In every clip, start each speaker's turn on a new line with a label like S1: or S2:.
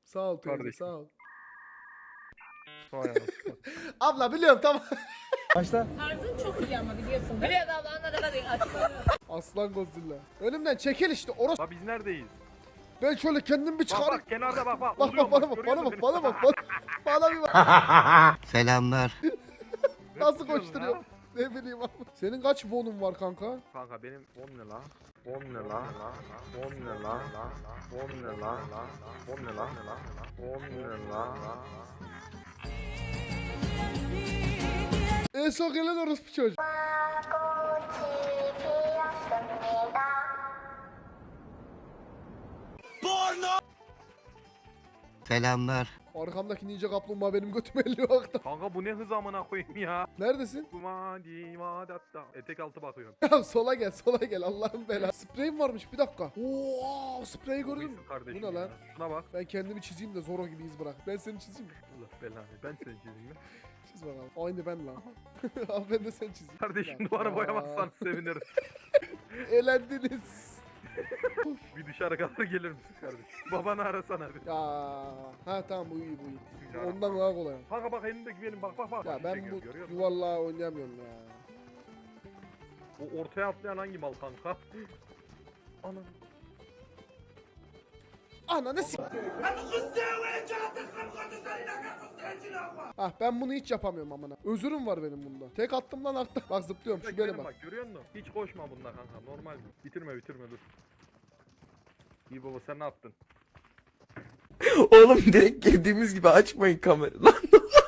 S1: Sağ ol teyze
S2: Kardeşim.
S1: sağ ol.
S2: Vay anasını.
S1: Abla biliyorum tamam.
S3: Başla.
S4: Tarzın çok iyi ama biliyorsun. Biliyorsun abla anladın hadi açıklanıyor.
S1: Aslan Godzilla. Önümden çekil işte orası.
S2: La biz neredeyiz?
S1: Ben şöyle kendim bir
S2: Bak
S1: çıkarayım.
S2: bak kenarda bak bak.
S1: Bak
S2: Uzuyorum
S1: bana bak
S2: görüyor
S1: bana
S2: musun
S1: bak
S2: beni?
S1: bana bak bana bir bak.
S5: Selamlar.
S1: Nasıl
S2: tutuyorsun
S1: koşturuyor?
S2: ha?
S1: Ne bileyim abi. Senin kaç bonun var kanka?
S2: Kanka benim 10 ne la? 10 ne la? 10 ne la? 10 ne la? 10 ne la? 10 ne la?
S1: En son gelen orospu çocuk.
S5: Selamlar.
S1: Arkamdaki ninja kaplumbağa benim götüme elliyor akta.
S2: Kanka bu ne hız amına koyayım ya?
S1: Neredesin?
S2: Kumadi madatta. Etek altı bakıyorum.
S1: Ya sola gel Allah'ın belası. Spreyim varmış bir dakika. Oo spreyi gördün mü?
S2: Buyursun kardeşim
S1: Bu ne lan?
S2: ya. Şuna bak.
S1: Ben kendimi çizeyim de Zoro gibi iz bırak. Ben seni çizeyim mi?
S2: Allah belanı. Ben seni çizeyim.
S1: Çiz bakalım. Aynı ben lan. Al ben de sen çizeyim.
S2: Kardeşim
S1: Ya.
S2: duvarı boyamazsan sevinirim.
S1: Elendiniz.
S2: Bir dışarı kadar gelir misin kardeşim? Babanı arasana bir.
S1: Ya ha tamam bu iyi bu iyi. Ondan daha kolay.
S2: Kanka bak elindeki benim bak bak bak.
S1: Ya ben
S2: Çekiyor,
S1: bu
S2: görüyor musun?
S1: yuvarlağı oynayamıyorum ya.
S2: O ortaya atlayan hangi mal kanka? Anam.
S1: Ananı s***. Ah ben bunu hiç yapamıyorum amına. Özürüm var benim bunda. Tek attım lan artta. Bak zıplıyorum şu
S2: Gidelim
S1: bele bak.
S2: Görüyor musun? Hiç koşma bunda kanka. Normal. Bitirme dur. İyi baba sen ne yaptın?
S6: Oğlum direkt girdiğimiz gibi açmayın kamerayı lan.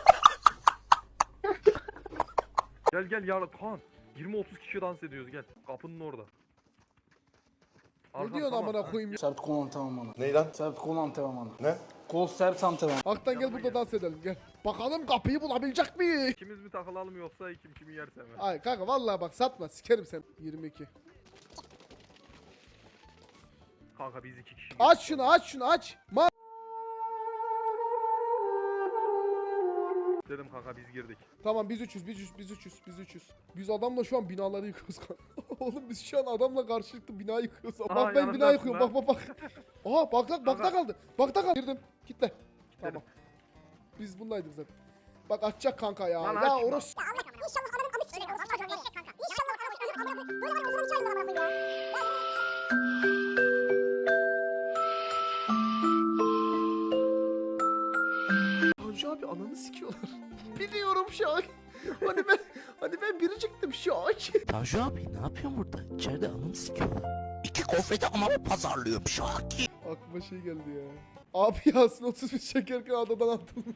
S2: Gel ya Kaan. 20-30 kişi dans ediyoruz gel. Kapının orada.
S1: Ne
S2: Arkam,
S1: diyorsun
S2: tamam.
S1: amına koyayım ya?
S3: Sert kol antrenmanı.
S6: Ney lan?
S3: Sert kol antrenmanı.
S6: Ne?
S3: Kol sert antrenmanı.
S1: Haktan gel burada dans edelim gel. Bakalım kapıyı bulabilecek miyiz?
S2: İkimiz mi takılalım yoksa kim kimi yerse mi?
S1: Ay kanka vallahi bak satma sikerim sen. 22.
S2: Kanka biz 2 kişi.
S1: Aç şunu aç.
S2: Dedim kanka biz girdik.
S1: Tamam biz 300. Biz adamla şu an binaları yıkıyoruz kanka. Oğlum biz şu an adamla karşılıklı bina yıkıyoruz.
S2: Aa,
S1: Bak ben bina
S2: yanındasın
S1: yıkıyorum
S2: lan.
S1: bak. Aha bakta kaldı. Bakta kaldı. Girdim. Kitle. Tamam. Biz bundaydık zaten. Bak açacak kanka ya.
S2: Lan
S1: Ya
S2: açma.
S1: orası. Tanju abi ananı sikiyorlar. Biliyorum Şak. Hani ben biriciktim Şak.
S5: Tanju abi ne yapıyorsun burada? İçeride anımı sikiyorlar. İki kofrete ama pazarlıyorum Şaki.
S1: Aklıma şey geldi ya. Abi Yasin 31 çekerken adadan atılmış.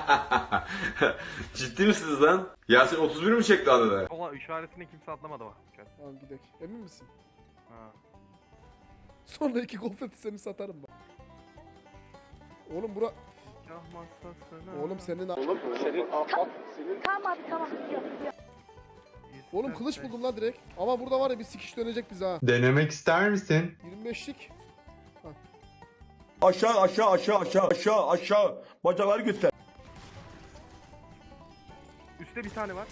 S7: Ciddi misiniz lan? Yasin 31 mi çekti adada?
S2: Ama işaretini kimse atlamadı bak.
S1: Tamam gidelim. Emin misin?
S2: Ha.
S1: Sonra iki konfeti seni satarım bak. Oğlum bura...
S2: Kah masasına.
S1: Oğlum senin...
S4: Tamam abi tamam.
S1: Oğlum kılıç buldum lan direkt. Ama burada var ya bir sikiş dönecek bize ha.
S7: Denemek ister misin?
S1: 25'lik.
S6: Aşağı. Bacakları göster.
S2: Üstte bir tane var.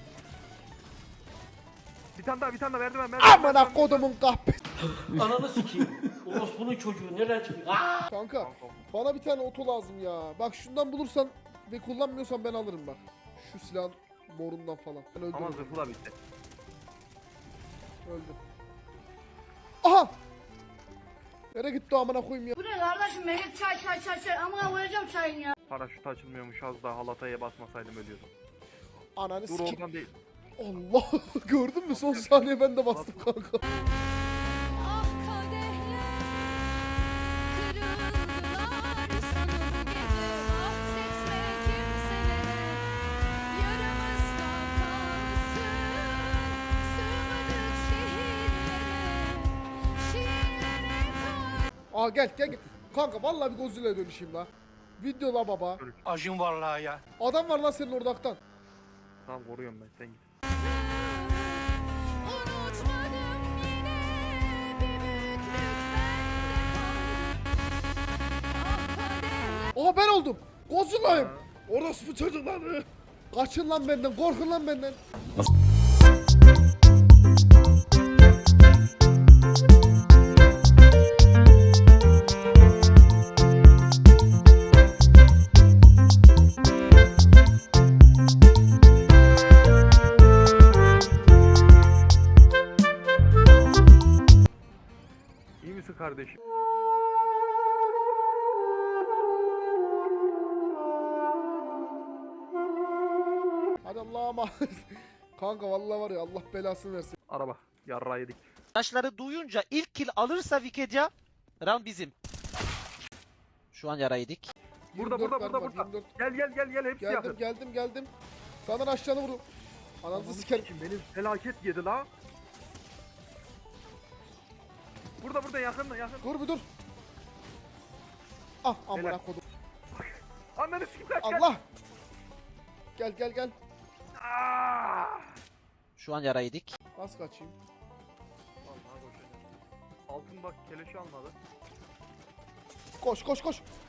S2: Bir tane daha merdiven.
S1: Amına kodumun kahpesi.
S8: Ananı sikeyim. Orospu'nun çocuğu nereden çıkıyor?
S1: Kanka bana bir tane oto lazım ya. Bak şundan bulursan ve kullanmıyorsan ben alırım bak. Şu silahın morundan falan. Ben öldüm.
S2: Ama zırhla bitti.
S1: Öldüm. Aha! Nereye gitti o amına koyayım ya?
S4: Bu ne kardeşim Mehmet çay amına koyacağım çayın ya.
S2: Paraşüt açılmıyormuş az daha halataya basmasaydım ölüyordum.
S1: Ananı
S2: Dur
S1: sikeyim.
S2: oradan değil.
S1: Allah gördün mü son saniye ben de bastım kanka. Aa gel. Kanka vallahi bir Godzilla'ya dönüşeyim la. Video la baba.
S6: Acım vallahi ya.
S1: Adam var lan senin orada Aktan.
S2: Tamam koruyorum ben sen git.
S1: Aha ben oldum. Godzilla'yım. Orospu çocukları. Kaçın lan benden, korkun lan benden. Allah'a emanet. Kanka vallahi var ya Allah belasını versin.
S2: Araba. Yarra yedik.
S9: Taşları duyunca ilk kill alırsa Wikipedia round bizim. Şu an yara yedik.
S2: Burada
S1: 24
S2: burada
S1: mermi
S2: burada
S1: var,
S2: burada.
S1: 24.
S2: Gel hepsi yakın.
S1: Geldim. Sana aşağını vurdum. Ananızı sikerim.
S2: Benim felaket yedi la. Burada yakın.
S1: Dur bir dur. Ah amına
S2: Helal.
S1: kodum.
S2: Ananı sikim kaç.
S1: Allah. Gel.
S9: Şu an yara yedik.
S1: Nasıl kaçayım?
S2: Vallahi boşuna. Altın bak keleşi almadı.
S1: Koş.